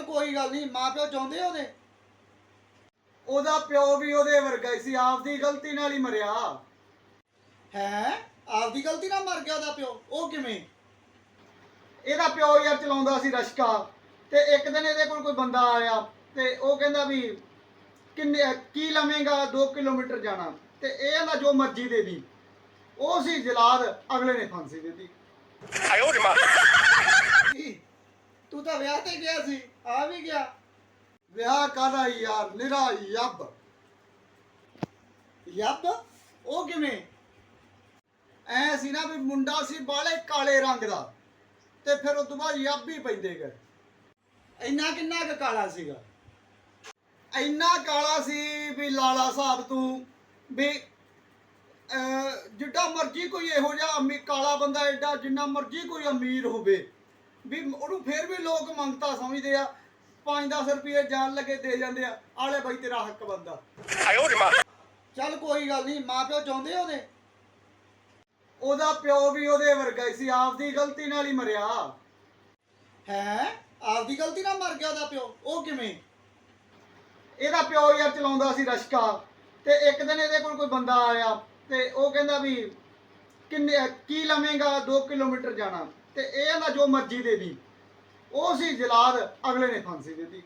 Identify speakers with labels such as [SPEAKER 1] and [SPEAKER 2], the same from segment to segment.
[SPEAKER 1] कोई गल नहीं, माँ प्यो चाहुंदे ओहदे
[SPEAKER 2] ਉਹਦਾ ਪਿਓ ਵੀ ਉਹਦੇ ਵਰਗਾ ਹੀ ਸੀ, ਆਪਦੀ ਗਲਤੀ ਨਾਲ ਹੀ ਮਰਿਆ।
[SPEAKER 1] है आपदी गलती ना मर गया ओहदा प्यो, ओ किवें?
[SPEAKER 2] ਇਹਦਾ ਪਿਓ ਯਾਰ ਚਲਾਉਂਦਾ ਸੀ ਰਸ਼ਕਾ, ਤੇ ਇੱਕ ਦਿਨ ਇਹਦੇ ਕੋਲ ਕੋਈ ਬੰਦਾ ਆਇਆ ਤੇ ਉਹ ਕਹਿੰਦਾ ਵੀ ਕਿੰਨੇ ਕੀ ਲਵੇਂਗਾ 2 ਕਿਲੋਮੀਟਰ ਜਾਣਾ, ਤੇ ਇਹ ਕਹਿੰਦਾ ਜੋ ਮਰਜ਼ੀ ਦੇ ਦੀ। ਉਹ ਸੀ ਜਲਾਦ, ਅਗਲੇ ਨੇ ਫਾਂਸੀ ਦੇ ਦਿੱਤੀ।
[SPEAKER 1] तू तो विआह ते गया सी, आ भी गया।
[SPEAKER 2] ਵਿਆਹ ਕਾਹਦਾ ਯਾਰ, ਨਿਰਾ ਯੱਬ।
[SPEAKER 1] ਯੱਬ ਉਹ ਕਿਵੇਂ?
[SPEAKER 2] ਐ ਸੀ ਨਾ ਵੀ ਮੁੰਡਾ ਸੀ ਬਾਲੇ ਕਾਲੇ ਰੰਗ ਦਾ, ਤੇ ਫਿਰ ਉਸ ਤੋਂ ਬਾਅਦ ਯੱਬ ਹੀ ਪੈਂਦੇ ਗਏ।
[SPEAKER 1] ਇੰਨਾ ਕਿੰਨਾ ਕੁ ਕਾਲਾ ਸੀਗਾ?
[SPEAKER 2] ਇੰਨਾ ਕਾਲਾ ਸੀ ਵੀ ਲਾਲਾ ਸਾਹਿਬ ਤੂੰ ਵੀ ਜਿੱਡਾ ਮਰਜੀ ਕੋਈ ਇਹੋ ਜਿਹਾ ਕਾਲਾ ਬੰਦਾ, ਐਡਾ ਜਿੰਨਾ ਮਰਜੀ ਕੋਈ ਅਮੀਰ ਹੋਵੇ ਵੀ ਉਹਨੂੰ ਫਿਰ ਵੀ ਲੋਕ ਮੰਗਤਾ ਸਮਝਦੇ ਆ। 5-10 ਰੁਪਏ ਜਾਣ ਲੱਗੇ ਦੇ ਜਾਂਦੇ ਆ, ਆਲੇ ਬਾਈ ਤੇਰਾ ਹੱਕ ਬੰਦਾ।
[SPEAKER 1] ਚੱਲ ਕੋਈ ਗੱਲ ਨਹੀਂ, ਮਾਂ ਪਿਓ ਚਾਹੁੰਦੇ ਉਹਦੇ
[SPEAKER 2] ਉਹਦਾ ਪਿਓ ਵੀ ਉਹਦੇ ਵਰਗਾ ਹੀ ਸੀ, ਆਪਦੀ ਗਲਤੀ ਨਾਲ ਹੀ ਮਰਿਆ।
[SPEAKER 1] ਹੈ ਆਪਦੀ ਗਲਤੀ ਨਾਲ ਮਰ ਗਿਆ ਉਹਦਾ ਪਿਓ, ਉਹ ਕਿਵੇਂ?
[SPEAKER 2] ਇਹਦਾ ਪਿਓ ਯਾਰ ਚਲਾਉਂਦਾ ਸੀ ਰਸ਼ਕਾ, ਤੇ ਇੱਕ ਦਿਨ ਇਹਦੇ ਕੋਲ ਕੋਈ ਬੰਦਾ ਆਇਆ ਤੇ ਉਹ ਕਹਿੰਦਾ ਵੀ ਕਿੰਨੇ ਕੀ ਲਵੇਂਗਾ 2 ਕਿਲੋਮੀਟਰ ਜਾਣਾ, ਤੇ ਇਹ ਕਹਿੰਦਾ ਜੋ ਮਰਜ਼ੀ ਦੇ ਦੀ। ਉਹ ਸੀ ਜਲਾਦ, ਅਗਲੇ ਨੇ ਫਾਂਸੀ ਦੇ ਦਿੱਤੀ।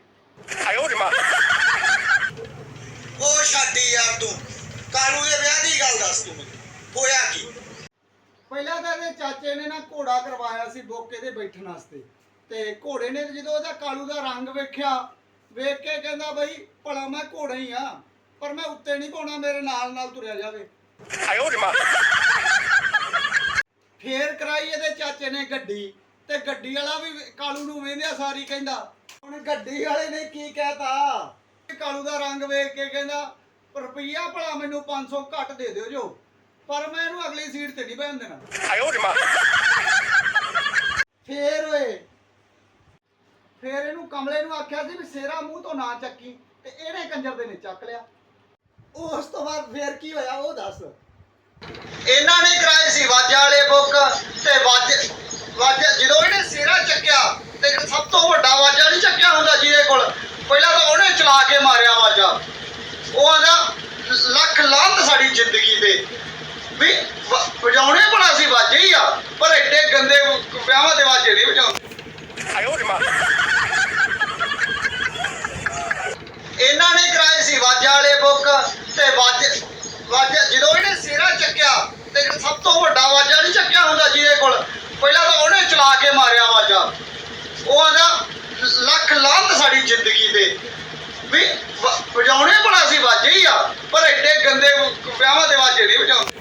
[SPEAKER 1] ਉਹ ਛੱਡੀ ਯਾਰ, ਤੂੰ ਕਾਲੂ ਦੇ ਵਿਆਹ ਦੀ ਗੱਲ ਦੱਸ ਤੂੰ ਮੈਨੂੰ, ਹੋਇਆ ਕੀ?
[SPEAKER 2] ਪਹਿਲਾਂ ਤਾਂ ਇਹਦੇ ਚਾਚੇ ਨੇ ਨਾ ਘੋੜਾ ਕਰਵਾਇਆ ਸੀ ਬੋਕੇ ਤੇ ਬੈਠਣ ਵਾਸਤੇ, ਤੇ ਘੋੜੇ ਨੇ ਜਦੋਂ ਉਹਦਾ ਕਾਲੂ ਦਾ ਰੰਗ ਵੇਖਿਆ, ਵੇਖ ਕੇ ਕਹਿੰਦਾ ਬਈ ਭਲਾ ਮੈਂ ਘੋੜਾ ਹੀ ਆ, ਪਰ ਮੈਂ ਉੱਤੇ ਨਹੀਂ ਪਾਉਣਾ, ਮੇਰੇ ਨਾਲ ਨਾਲ ਤੁਰਿਆ ਜਾਵੇ। ਫੇਰ ਕਰਾਈ ਇਹਦੇ ਚਾਚੇ ਨੇ ਗੱਡੀ, ਤੇ ਗੱਡੀ ਵਾਲਾ ਵੀ ਕਾਲੂ ਨੂੰ ਵੇਂਦਿਆ ਸਾਰੀ ਕਹਿੰਦਾ, ਹੁਣ ਗੱਡੀ ਵਾਲੇ ਨੇ ਕੀ ਕਹਿਤਾ, ਕਾਲੂ ਦਾ ਰੰਗ ਵੇਖ ਕੇ ਕਹਿੰਦਾ ਰੁਪਈਆ ਭਲਾ ਮੈਨੂੰ 500 ਘੱਟ ਦੇ ਦਿਓ ਜੋ, ਪਰ ਮੈਂ ਇਹਨੂੰ ਅਗਲੀ ਸੀਟ ਤੇ ਨਹੀਂ ਬਹਿਣ ਦੇਣਾ। ਫੇਰ ਇਹਨੂੰ ਕਮਲੇ ਨੂੰ ਆਖਿਆ ਸੀ ਵੀ ਸੇਰਾ ਮੂੰਹ ਤੋਂ ਨਾ ਚੱਕੀ, ਤੇ ਇਹਨੇ ਕੰਜਰ ਦੇ ਨੇ ਚੱਕ ਲਿਆ।
[SPEAKER 1] ਉਸ ਤੋਂ ਬਾਅਦ ਫੇਰ ਕੀ ਹੋਇਆ ਉਹ ਦੱਸ।
[SPEAKER 2] ਇਹਨਾਂ ਨੇ ਕਰਾਏ ਸੀ ਵਾਜਾ ਵਾਲੇ ਬੁੱਕ, ਤੇ ਵਾਜਾ ਜਦੋਂ ਇਹਨੇ ਸੇਰਾ ਚੱਕਿਆ, ਤੇ ਸਭ ਤੋਂ ਵੱਡਾ ਵਾਜਾ ਨਹੀਂ ਚੱਕਿਆ ਹੁੰਦਾ ਜਿਹਦੇ ਕੋਲ, ਪਹਿਲਾਂ ਤਾਂ ਉਹਨੇ ਚਲਾ ਕੇ ਮਾਰਿਆ ਵਾਜਾ। ਉਹ ਆਂਦਾ ਲੱਖ ਲਾਹਨਤ ਸਾਡੀ ਜ਼ਿੰਦਗੀ ਤੇ ਵੀ ਵਜਾਉਣੇ ਭਲਾ ਸੀ ਵਾਜੇ ਹੀ ਆ, ਪਰ ਐਡੇ ਗੰਦੇ ਵਿਆਹਾਂ ਦੇ ਵਾਜੇ ਨਹੀਂ ਵਜਾਉਂਦੇ। ਇਹਨਾਂ ਨੇ ਕਰਾਏ ਸੀ ਵਾਜਾ ਵਾਲੇ ਬੁੱਕ, ਤੇ ਵਾਜਾ ਜਦੋਂ ਇਹਨੇ ਸੇਰਾ ਚੱਕਿਆ, ਤੇ ਸਭ ਤੋਂ ਵੱਡਾ ਵਾਜਾ ਨਹੀਂ ਚੱਕਿਆ ਹੁੰਦਾ ਜਿਹਦੇ ਕੋਲ, ਪਹਿਲਾਂ ਤਾਂ ਉਹਨੇ ਚਲਾ ਕੇ ਮਾਰਿਆ ਵਾਜਾ। ਉਹ ਆਂਦਾ ਲੱਖ ਲਾਹਨਤ ਸਾਡੀ ਜ਼ਿੰਦਗੀ ਤੇ ਵੀ ਵਜਾਉਣੇ ਭਲਾ ਸੀ ਵਾਜੇ ਹੀ ਆ, ਪਰ ਐਡੇ ਗੰਦੇ ਵਿਆਹਾਂ ਦੇ ਵਾਜੇ ਨਹੀਂ ਵਜਾਉਂਦੇ।